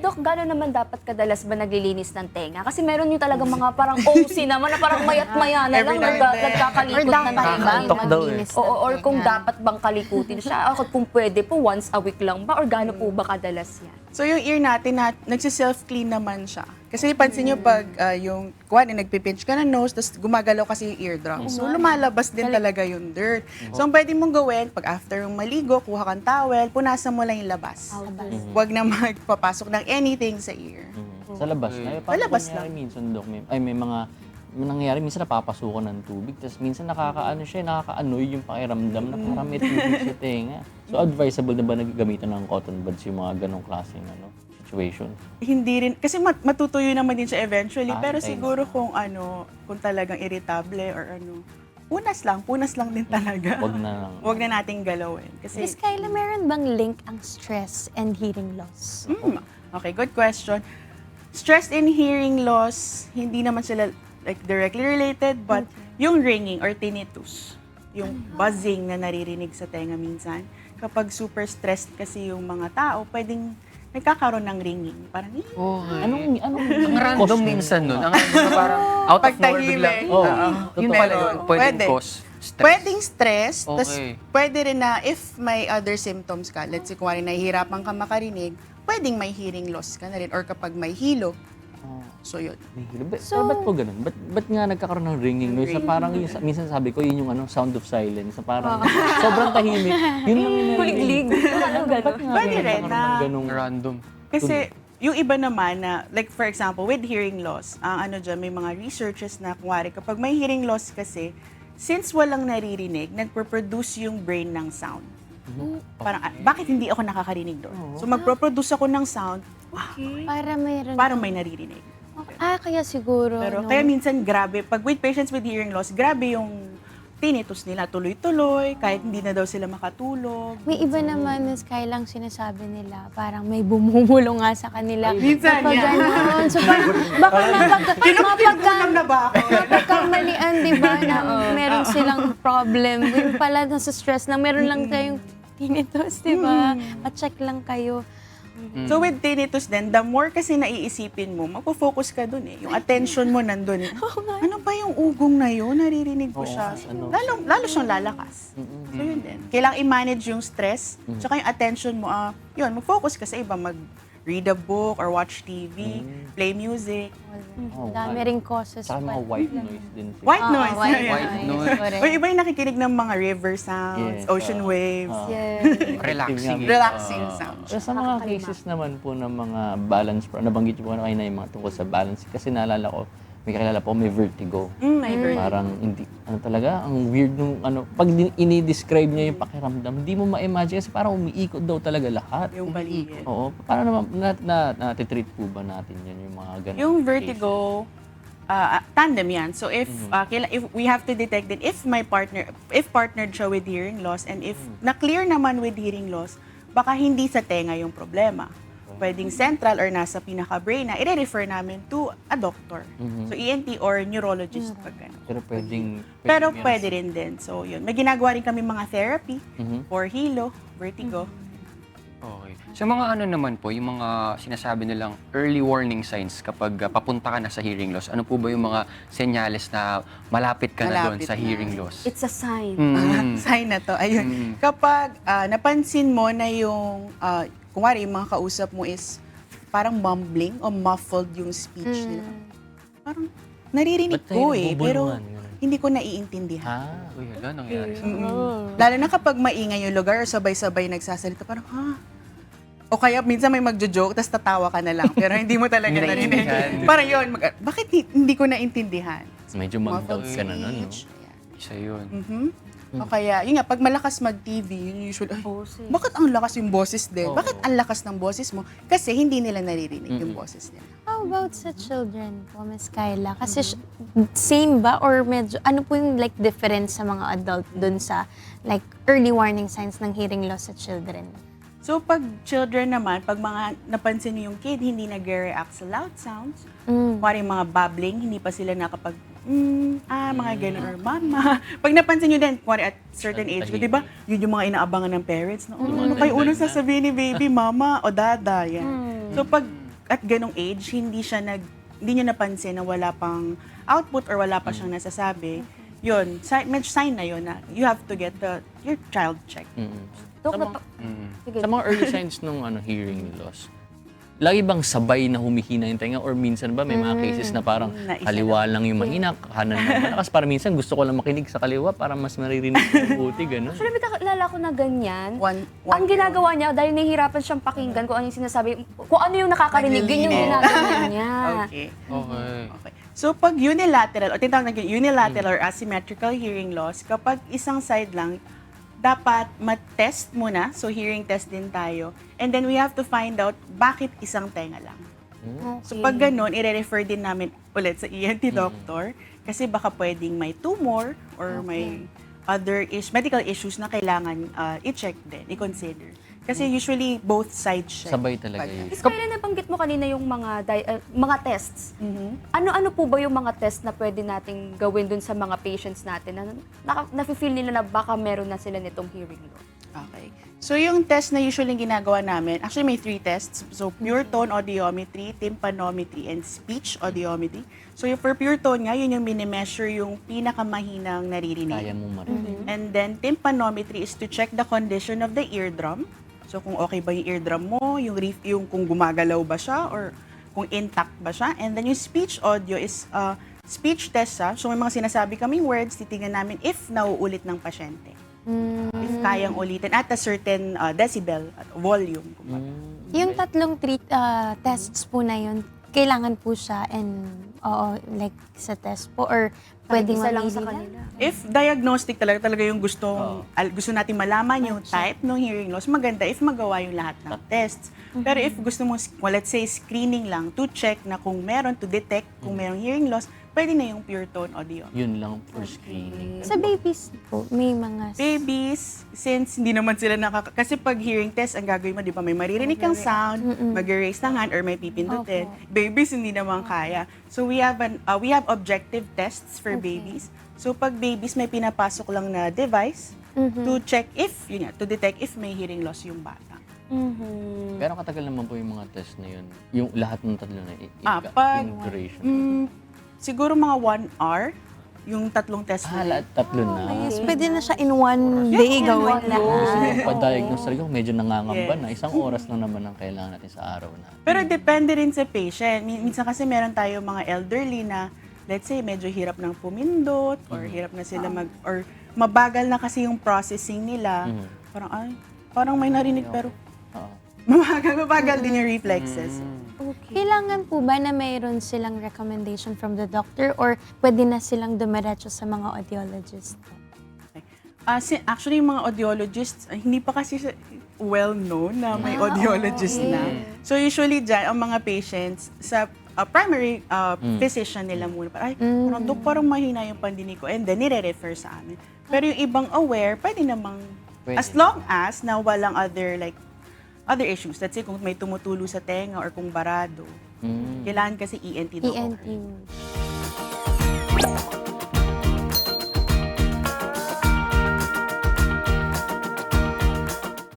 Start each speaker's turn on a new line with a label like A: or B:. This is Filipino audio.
A: Dok, gano'n naman dapat kadalas ba naglilinis ng tenga? Kasi meron yung talagang mga parang OC naman na parang mayat-maya na lang nagkakalikot na ng iba.
B: Nakakaantok daw eh.
A: Oo, or kung dapat bang kalikutin siya, ako kung pwede po, once a week lang ba? Or gano'n po ba kadalas yan?
C: So yung ear natin, nagsi-self-clean naman siya. Kasi pansin nyo pag yung, nagpipinch ka ng nose, tapos gumagalaw kasi yung eardrum. So lumalabas din talaga yung dirt. So ang pwede mong gawin, pag after yung maligo, kuha kang towel, punasan mo lang yung labas. Huwag na magpapasok ng anything sa ear.
B: Sa labas na.
C: Sa labas lang.
B: Minsan, Dok, may mga nangyayari, minsan napapasukan ng tubig, tapos minsan nakaka-annoy yung pakiramdam na parang may tubig sa tenga. So advisable na ba nagagamitan ng cotton buds yung mga ganong klaseng situation?
C: Hindi rin, kasi matutuyo naman din siya eventually, pero
B: okay.
C: siguro kung kung talagang irritable or punas lang din talaga.
B: Wag na lang.
C: Huwag na nating galawin. Kasi,
D: Miss Kyla, meron bang link ang stress and hearing loss?
C: Okay, good question. Stress and hearing loss, hindi naman sila like directly related, but yung ringing or tinnitus, yung buzzing na naririnig sa tenga minsan, kapag super stressed kasi yung mga tao, pwedeng nagkakaroon ng ringing. Parang,
B: Anong
E: Ang random
B: cause
E: minsan nun. Ang random na parang out of nowhere bigla.
C: Pagtahimik.
B: Oo.
E: Yun
B: Totoo.
E: pala yun. Pwedeng
C: Pwede.
E: cause stress.
C: pwedeng stress, tas
E: Okay.
C: pwede rin na if may other symptoms ka, let's say kung nahihirapan ka makarinig, pwedeng may hearing loss ka na rin or kapag may hilo. So yun.
B: May hilo. Pero ba't po ganun? Ba't nga nagkakaroon ng ringing noise? Na parang minsan sabi ko, yun yung sound of silence. Na parang sobrang tahimik. Yun lang yung
A: Kuliglig. Ano gano'n?
C: Pwede rin na-
B: ganung
E: Random.
C: Kasi yung iba naman na, like for example, with hearing loss, ang may mga researches na kunwari kapag may hearing loss kasi, since walang naririnig, nagpo-produce yung brain ng sound. Parang, bakit hindi ako nakakarinig doon? So magpo-produce ako ng sound,
D: Para
C: may naririnig.
D: kaya siguro,
C: Pero
D: no?
C: kaya minsan grabe, pag with patients with hearing loss, grabe yung tinnitus nila, tuloy-tuloy, kahit hindi na daw sila makatulog.
D: May iba naman, Miss Kyla, ang sinasabi nila, parang may bumumulo nga sa kanila.
C: Minsan,
D: Kapag
C: yeah.
D: ganon. So, baka
C: Pinapagkulang na ba ako?
D: mapagkamalian, di ba, na meron silang problem. Yung pala, nasa stress lang, meron lang tayong tinnitus, di ba? Pa-check lang kayo.
C: So with tinnitus din, the more kasi naiisipin mo, magpo-focus ka dun eh. Yung attention mo nandun. Ano ba yung ugong na yun? Naririnig ko siya. Lalo siyang lalakas. So yun din. Kailangang i-manage yung stress, tsaka yung attention mo, yun, mag-focus ka sa iba, mag-read a book or watch TV, play music.
B: Oh,
D: Dami ring causes
B: Saka mga
D: pala.
B: white noise din.
C: White noise.
D: White
C: Yeah.
D: noise. Correct.
C: O iba yung nakikinig ng mga river sounds,
B: Yes,
C: ocean waves,
E: Relaxing.
C: relaxing sounds.
B: Pero sa mga cases naman po ng mga balance, nabanggit niyo po kayo na yung mga tungkol sa balance. Kasi naalala ko, may kakilala po, may vertigo.
C: My God.
B: Parang hindi, talaga, ang weird nung, pag ini-describe niya yung pakiramdam, hindi mo ma-imagine kasi parang umiikot daw talaga lahat.
C: Yung paligid.
B: Oo. Paano naman, natitreat po ba natin yan, yung mga ganun?
C: Yung vertigo, tandem yan. So if we have to detect din if partnered siya with hearing loss and if na-clear naman with hearing loss, baka hindi sa tenga yung problema. Pwedeng central or nasa pinaka-brain na i-refer namin to a doctor. So ENT or neurologist pag gano'n.
B: Pero
C: Pero pwede rin din. So yun, may ginagawa rin kami mga therapy for hilo, vertigo.
E: Okay. So mga naman po, yung mga sinasabi nilang early warning signs kapag papunta ka na sa hearing loss, ano po ba yung mga senyales na malapit ka na doon
C: Malapit
E: sa
C: na.
E: hearing loss?
A: It's a sign.
C: Sign na to. Ayun. Kapag napansin mo na yung, kunwari yung mga kausap mo is parang mumbling o muffled yung speech nila. Parang naririnig
B: Ba't tayo
C: ko eh, pero
B: nagbubulungan? Ganun.
C: hindi ko naiintindihan.
E: Uy, hala, nangyari sa
C: Lalo na kapag maingay yung lugar or sabay-sabay nagsasalita, parang, o kaya minsan may magjo-joke, tapos tatawa ka na lang, pero hindi mo talaga
E: Hindi
C: narinig.
E: naiintindihan.
C: Parang yun, bakit hindi ko naintindihan?
B: Medyo mag-doubt ka na nun, no?
C: Speech. Ayan.
E: Isa yun.
C: O kaya, yun nga, pag malakas mag-TV, yun usually, bakit ang lakas yung boses din? Bakit ang lakas ng boses mo? Kasi hindi nila naririnig yung boses nila.
D: How about sa children po, Miss Kyla? Kasi same ba or medyo, ano po yung like difference sa mga adult dun sa like early warning signs ng hearing loss sa children?
C: So, pag children naman, pag mga napansin niyo yung kid, hindi nag-react sa loud sounds, kuwari mga babbling, hindi pa sila nakapag, mga gano'n, or mama. Pag napansin niyo din, kuwari at certain age, di ba, yun yung mga inaabangan ng parents, na, ano kayo unang sasabihin ni baby, mama o dada, yan. So, pag at ganong age, hindi niya napansin na wala pang output or wala pa siyang nasasabi, yun, sign na yun na you have to get your child checked.
A: Dok,
B: Sa mga-
A: sige.
B: Sa mga early signs ng hearing loss, lagi bang sabay na humihina yung tenga or minsan ba may mga cases na parang
C: Naisa
B: kaliwa lang yung mahina, kanan lang malakas, para minsan gusto ko lang makinig sa kaliwa para mas maririnig ko mabuti, gano'n.
A: Actually, may kakilala ko na ganyan.
C: One
A: Ang ginagawa niya, dahil nahihirapan siyang pakinggan kung ano yung sinasabi, kung ano yung nakakarinig, yun yung ginagawa niya.
C: Okay.
E: Okay.
C: Okay. So, pag unilateral, o tinatawag na unilateral or asymmetrical hearing loss, kapag isang side lang, dapat mat-test muna. So, hearing test din tayo. And then, we have to find out bakit isang tenga lang. So, pag ganun, i-refer din namin ulit sa ENT doctor kasi baka pwedeng may tumor or may other medical issues na kailangan i-check din, i-consider. Kasi usually, both sides siya.
B: Sabay talaga yun.
A: Is kaya nabanggit mo kanina yung mga tests. Ano-ano po ba yung mga test na pwede nating gawin dun sa mga patients natin na nafe-feel nila na baka meron na sila nitong hearing loss?
C: Okay. So, yung test na usually ginagawa namin, actually may 3 tests. So, pure tone audiometry, tympanometry, and speech audiometry. So, for pure tone nga, yun yung minimeasure yung pinakamahinang naririnig.
B: Kaya mo marinig.
C: And then, tympanometry is to check the condition of the eardrum. So, kung okay ba yung eardrum mo, yung kung gumagalaw ba siya, or kung intact ba siya. And then, yung speech audio is speech test siya. So, may mga sinasabi kaming words, titingnan namin if nauulit ng pasyente. If kayang ulitin at a certain decibel, volume. kumbaga.
D: Yung tatlong tests po na yun, kailangan po siya like sa test po or pwedeng
A: Isa lang
D: mamili
A: sa
D: lang?
A: kanila.
C: If diagnostic talaga yung gusto natin malaman yung type ng hearing loss, maganda if magawa yung lahat ng tests. Pero if gusto mo, let's say, screening lang to check na kung meron, to detect kung merong hearing loss, pwede na yung pure tone audio.
B: Yun lang for screening.
D: Sa babies po, may mga...
C: Babies, since hindi naman sila kasi pag hearing test, ang gagawin mo, di ba, may maririnig kang sound, mag-raise ng hand, or may pipindutin. Babies, hindi naman kaya. So, we have objective tests for babies. So, pag babies, may pinapasok lang na device to check to detect if may hearing loss yung bata.
B: Pero katagal naman po yung mga test na yun. Yung lahat ng tatlo na
C: Pag-
B: yung duration.
C: Siguro mga 1 hour, yung tatlong test na yun.
B: Lahat tatlo na.
D: Yes, pwede na siya in one day gawin
B: Gusto
D: lahat.
B: mo pa-diagnose talaga, medyo nangangamba na. Isang oras lang naman ang kailangan natin sa araw na.
C: Pero depende rin sa patient. Minsan kasi meron tayo mga elderly na, let's say, medyo hirap ng pumindot or hirap na sila or mabagal na kasi yung processing nila. Parang may narinig pero
B: Oo.
C: mabagal din yung reflexes.
D: Kailangan po ba na mayroon silang recommendation from the doctor or pwede na silang dumiretso sa mga audiologist?
C: Actually, yung mga audiologists, hindi pa kasi well-known na may audiologist na. So usually dyan, ang mga patients sa primary physician nila muna, parang, Dok, parang mahina yung pandinig ko, and then nire-refer sa amin. Pero yung ibang aware, pwede namang, as long as na walang other issues. Let's say kung may tumutulo sa tenga or kung barado. Kailangan kasi ENT doctor.
D: ENT.